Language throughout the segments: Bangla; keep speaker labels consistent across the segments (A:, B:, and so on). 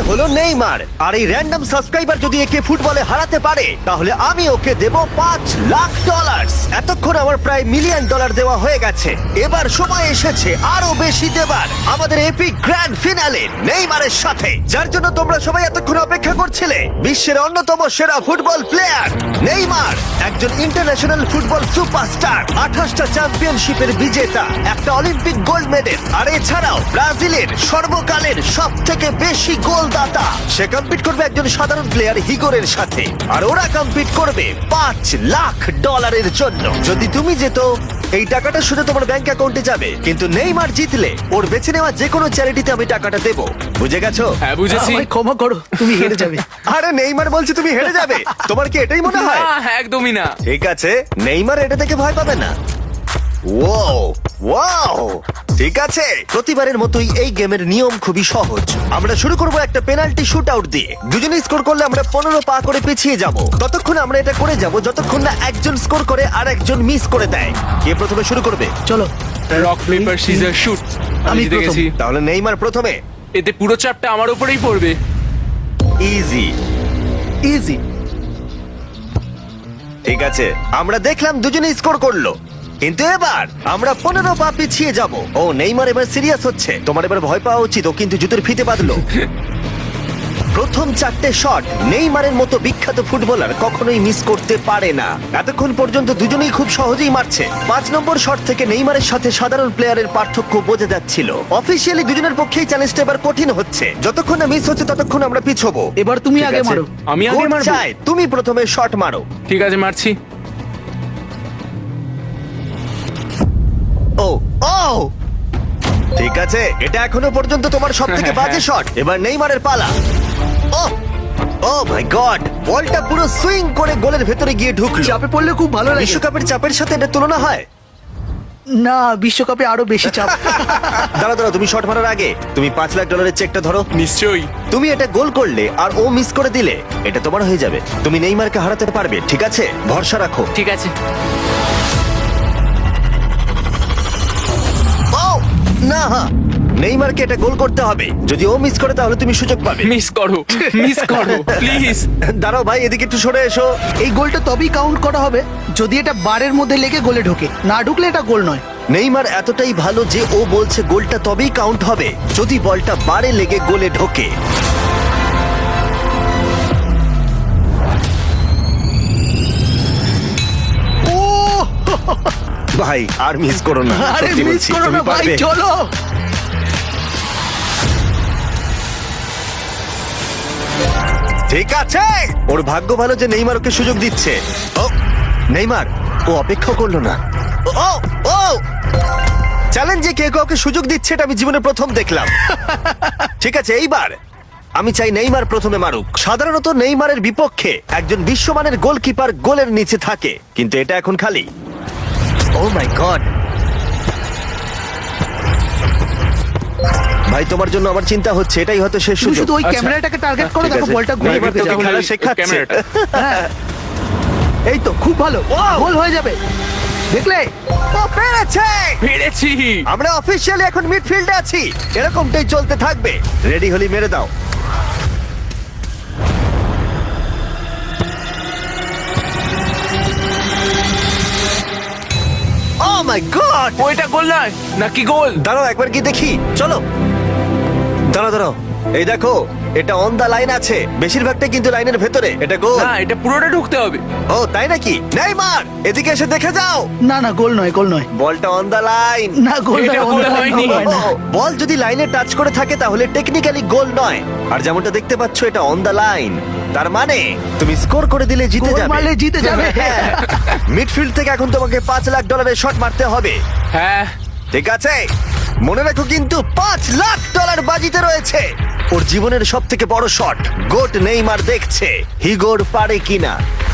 A: হলো নেইমার, আর এই র্যান্ডম সাবস্ক্রাইবার যদি একে ফুটবলে হারাতে পারে তাহলে আমি ওকে দেব $5 লাখ। এতক্ষণ আমার প্রায় $1 মিলিয়ন দেওয়া হয়ে গেছে। এবার সময় এসেছে আরো বেশি দেবার, আমাদের এপিক গ্র্যান্ড ফিনালে নেইমারের সাথে, যার জন্য তোমরা সবাই এতক্ষণ অপেক্ষা করছিলে। বিশ্বের অন্যতম সেরা ফুটবল প্লেয়ার নেইমার, একজন ইন্টারন্যাশনাল ফুটবল সুপারস্টার, 28টা চ্যাম্পিয়নশিপের বিজেতা, একটা অলিম্পিক গোল্ড মেডেল, আর এছাড়াও ব্রাজিলের সর্বকালের সব থেকে বেশি গোলদাতা। সে কম্পিট করবে একজন সাধারণ প্লেয়ার হিগোরের সাথে, আর ওরা কম্পিট করবে $5 লাখ জন্য। যদি তুমি যেত এই টাকাটা শুধু তোমার ব্যাংক অ্যাকাউন্টে যাবে, কিন্তু নেইমার জিতলে ওর বেছে নেওয়া যে কোনো চ্যারিটিতে আমি টাকাটা দেবো। বুঝে গেছো?
B: হ্যাঁ বুঝেছি।
C: আমায় ক্ষমা করো, তুমি হেরে যাবে।
A: আরে নেইমার বলছে তুমি হেরে যাবে, তোমার কি এটাই মনে হয়?
B: না, একদমই না।
A: ঠিক আছে, নেইমার এটা থেকে ভয় পাবে না। ওয়াও ওয়াও, ঠিক আছে। প্রতিবারের মতোই এই গেমের নিয়ম খুবই সহজ। আমরা শুরু করব একটা পেনাল্টি শুট আউট দিয়ে। দুজনে স্কোর করলে আমরা 15 পা করে পিছিয়ে যাব। ততক্ষণ আমরা এটা করে যাব যতক্ষণ না একজন স্কোর করে আর একজন মিস করে দেয়। কে প্রথমে শুরু করবে?
C: চলো,
B: রক পেপার সিজার শুট। আমি জিতে
C: প্রথম।
B: গেছি।
A: তাহলে নেইমার প্রথমে।
B: এতে পুরো চাপটা আমার উপরেই পড়বে।
A: Easy
C: easy.
A: ঠিক আছে, আমরা দেখলাম দুজনে স্কোর করলো, কিন্তু এবার আমরা 15 পা পিছিয়ে যাব। ও নেইমার এবার সিরিয়াস হচ্ছে। তোমার এবার ভয় পাওয়া উচিত, ও কিন্তু জুতোর ফিতে বাঁধলো। প্রথম 4টে শট নেইমারের মতো বিখ্যাত ফুটবলার কখনোই মিস করতে পারে না। এতক্ষণ পর্যন্ত দুজনেই খুব সহজেই মারছে। 5 নম্বর শট থেকে নেইমারের সাথে সাধারণ প্লেয়ারের পার্থক্য বোঝা যাচ্ছিল। অফিসিয়ালি দুজনের পক্ষেই চ্যালেঞ্জটা এবার কঠিন হচ্ছে। যতক্ষণ না মিস হচ্ছে ততক্ষণ আমরা পিছবো।
C: এবার তুমি
A: ঠিক
C: আগে
A: আছে?
C: মারো।
B: আমি আগে
A: কোচ
B: মারবো?
A: চায় তুমি প্রথমে শট মারো।
B: ঠিক আছে, মারছি।
A: ও ও, ঠিক আছে, এটা এখনো পর্যন্ত তোমার সবথেকে বাজে শট। এবার নেইমারের পালা। ও ও মাই গড, বলটা পুরো সুইং করে গোলের ভেতরে গিয়ে ঢুকলো।
C: চাপে পড়লে খুব ভালো লাগে।
A: বিশ্বকাপের চাপের সাথে এটা তুলনা হয়?
C: না, বিশ্বকাপে আরো বেশি চাপ।
A: দাঁড়াও দাঁড়াও, তুমি শট মারার আগে তুমি $5 লাখ চেকটা ধরো।
B: নিশ্চয়ই।
A: তুমি এটা গোল করলে আর ও মিস করে দিলে এটা তোমার হয়ে যাবে। তুমি নেইমারকে হারাতে পারবে, ঠিক আছে? ভরসা রাখো।
B: ঠিক আছে।
A: ও না, নেইমারকে এটা গোল করতে হবে। যদি ও মিস করে তাহলে তুমি সুযোগ পাবে।
B: মিস করো, মিস করো প্লিজ।
A: দাঁড়াও ভাই, এদিকে একটু সরে এসো।
C: এই গোলটা তবেই কাউন্ট করা হবে যদি এটা বারের মধ্যে লেগে গোলে ঢোকে। না ঢুকলে এটা গোল নয়।
A: নেইমার এতটাই ভালো যে ও বলছে গোলটা তবেই কাউন্ট হবে যদি বলটা বারে লেগে গোলে ঢোকে।
C: ও
A: ভাই আর মিস করো না,
C: আরে
A: সত্যি
C: মিস
A: বলছি,
C: করো
A: তুমি
C: না ভাই,
A: পারবে।
C: চলো।
A: ঠিক আছে, ওর ভাগ্য ভালো যে নেইমার ওকে সুযোগ দিচ্ছে। ও নেইমার, ও অপেক্ষা করলো না। ও ও চ্যালেঞ্জে কে কাউকে সুযোগ দিচ্ছে এটা আমি জীবনে প্রথম দেখলাম। ঠিক আছে, এইবার আমি চাই নেইমার প্রথমে মারুক। সাধারণত নেইমারের বিপক্ষে একজন বিশ্বমানের গোলকিপার গোলের নিচে থাকে, কিন্তু এটা এখন খালি। ও মাই গড, ভাই তোমার জন্য আমার চিন্তা হচ্ছে, এটাই হয়তো শেষ
C: তুমি
A: সুযোগ।
C: শুধু ওই
B: আচ্ছা।
C: ক্যামেরাটাকে টার্গেট করো,
A: ঠিক
C: দেখো
A: আছে,
C: বলটা ঘুরে
A: নেইমার
C: ঢুকে
A: তোকে
C: যাবে।
A: খেলা শেখাচ্ছে।
B: ক্যামেরাটা।
C: হ্যাঁ। এই তো খুব ভালো, গোল হয়ে যাবে। দেখলে?
A: ও পেরেছে!
B: পেরেছি।
A: আমরা অফিসিয়ালি এখন মিডফিল্ডে আছি। এরকমটাই চলতে থাকবে। রেডি হলি মেরে দাও। Oh my god!
B: ওইটা গোল নয় নাকি গোল?
A: দাঁড়াও একবার কি দেখি, চলো। দাঁড়াও দাঁড়াও, এই দেখো, এটা অন দা লাইন আছে। বেশিরভাগটাই কিন্তু লাইনের ভেতরে। এটা গোল।
B: না, এটা পুরোটা ঢুকতে হবে।
A: ও তাই নাকি? নেইমার এদিকে এসে দেখে যাও।
C: না না, গোল নয়, গোল নয়।
A: বলটা অন দা লাইন।
C: না, গোল
B: এটা
C: নয়,
B: গোল
C: গোল
B: হয়নি।
C: হয় না।
A: বল যদি লাইনে টাচ করে থাকে তাহলে টেকনিক্যালি গোল নয়। আর যেমনটা দেখতে পাচ্ছ এটা অন দা লাইন, তার মানে তুমি স্কোর করে দিলে জিতে
C: গোল
A: যাবে।
C: মারলে জিতে যাবে।
A: হ্যাঁ। মিডফিল্ড থেকে এখন তোমাকে $5 লাখ শট মারতে হবে।
B: হ্যাঁ।
A: ঠিক আছে, মনে রাখো কিন্তু $5 লাখ বাজিতে রয়েছে। ওর জীবনের সব থেকে বড় শট। গোট নেইমার দেখছে হিগোর পারে কিনা।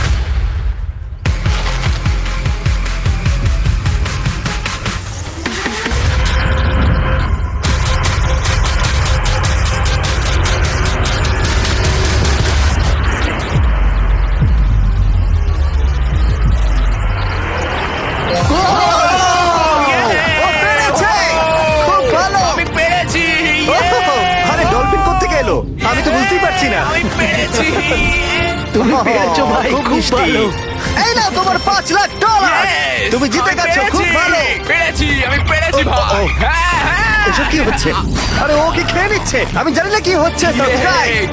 A: ও পেরেছে! খুব ভালো!
B: আমি পেরেছি।
A: আরে ডলফিন কোত্থেকে এলো? আমি তো বুঝতে বুঝতেই পারছি না
B: আমি পেরেছি
C: তুমি পেরেছো ভাই,
A: খুব
C: খুব
A: মিষ্টি।
C: ভালো।
A: এই নাও তোমার $5,00,000
B: Yes!
A: তুমি জিতে
B: আমি
A: গেছো, খুব
B: পেরেছি!
A: ভালো।
B: পেরেছি আমি পেরেছি
A: ও,
B: ভাই
A: ও।
B: হ্যাঁ হ্যাঁ
A: এসব কি হচ্ছে? আরে ও কি খেয়ে নিচ্ছে? আমি জানি না কি হচ্ছে। সাবস্ক্রাইব